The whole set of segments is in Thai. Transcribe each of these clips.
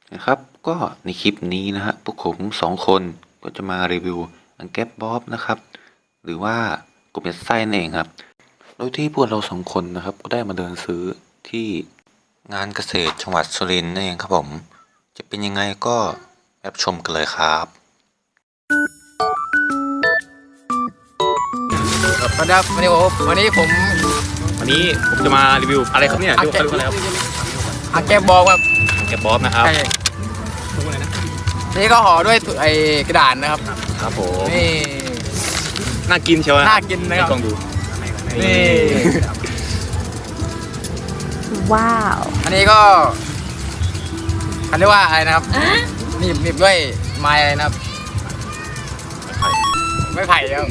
นะครับก็ในคลิปนี้นะฮะพวกผม2 คนก็จะมารีวิวอังแก๊บบ๊อบนะครับหรือว่ากบยัดไส้นั่นเองครับโดยที่พวกเรา2 คนนะครับก็ได้มาเดินซื้อที่งานเกษตรจังหวัดสุรินทร์นั่นเองครับผมจะเป็นยังไงก็รับชมกันเลยครับสวัสดีครับวันนี้ผมจะมารีวิวอะไรครับเนี่ยดูเขาดูอะไรครับอังแก๊บบอกครับแกบบ๊อบนะครับใช่นี่ก็ห่อด้วยไอ้กระดาษนะครับครับผมนี่น่ากินเชียวน่ากินนะครับลองดูนี่ว้าวอันนี้ก็เขาเรียกว่าอะไรนะครับหนีบด้วยไม้อะไรนะครับไม่ไผ่ครับ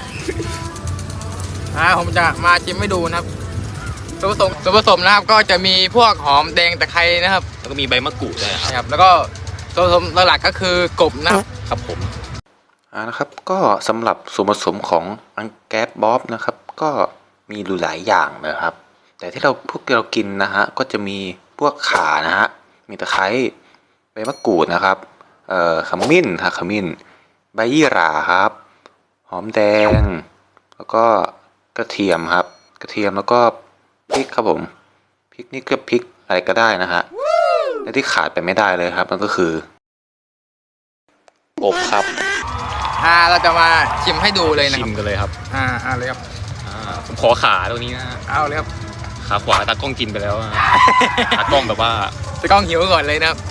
ผมจะมาชิมให้ดูนะครับส่วนผสมนะครับก็จะมีพวกหอมแดงตะไคร้นะครับแล้วก็มีใบมะกรูดด้วยนะครับนะครับ แล้วก็ส่วนผสมหลักๆก็คือกบนะครับครับผมนะครับก็สำหรับส่วนผสมของอังแก๊บบ๊อบนะครับก็มีหลายอย่างนะครับแต่ที่พวกเรากินนะฮะก็จะมีพวกข่านะฮะมีตะไคร้ใบมะกรูดนะครับขมิ้นขมิ้นใบยี่หร่าครับหอมแดงแล้วก็กระเทียมครับกระเทียมแล้วก็พริกครับผมพริกนี่ก็พริกอะไรก็ได้นะฮะและที่ขาดไปไม่ได้เลยครับมันก็คือกบครับเราจะมาชิมให้ดูเลยนะคชิรับมกันเลยครับเลยครับผมขอขาตรงนี้นะเอาเลยครับขาขวาตากล้องกินไปแล้วนะตากล้องแบบว่าจะกล้องหิวก่อนเลยนะครับ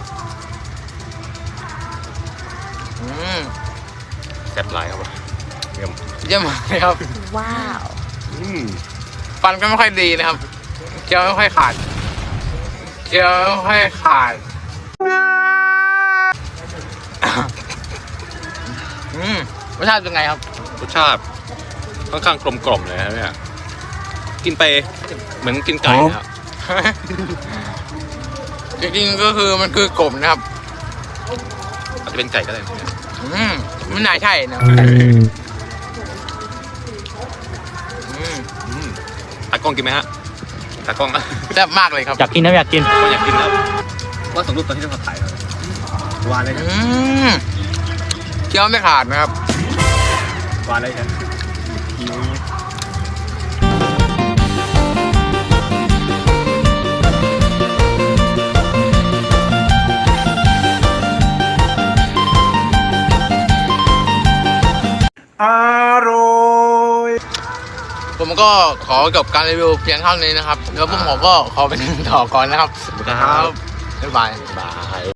แซ่บหลายครับผมเยี่ยมเยี่ยมมากเลยครับว้าวฟันก็ไม่ค่อยดีนะครับเคี้ยวไม่ค่อยขาดเคี้ยวไม่ค่อยขาดรสชาติเป็นไงครับรสชาติค่อนข้างกลมกล่อมเลยนะเนี่ยกินไปเหมือนกินไก่นะครับจริงๆก็คือมันคือกบนะครับอาจจะเป็นไก่ก็ได้นะไม่น่าใช่นะตากล้องกินไหมฮะตากล้องแซ่บมากเลยครับอยากกินนะอยากกินก็อยากกินครับว่าสมรูปตอนที่เราถ่ายเลยหวานเลยนะเคี้ยวไม่ขาดนะครับหวานเลยครับผมก็ขอจบการรีวิวเพียงเท่านี้นะครับแล้วผมก็ขอไปต่อก่อนนะครับครับบ๊ายบายบาย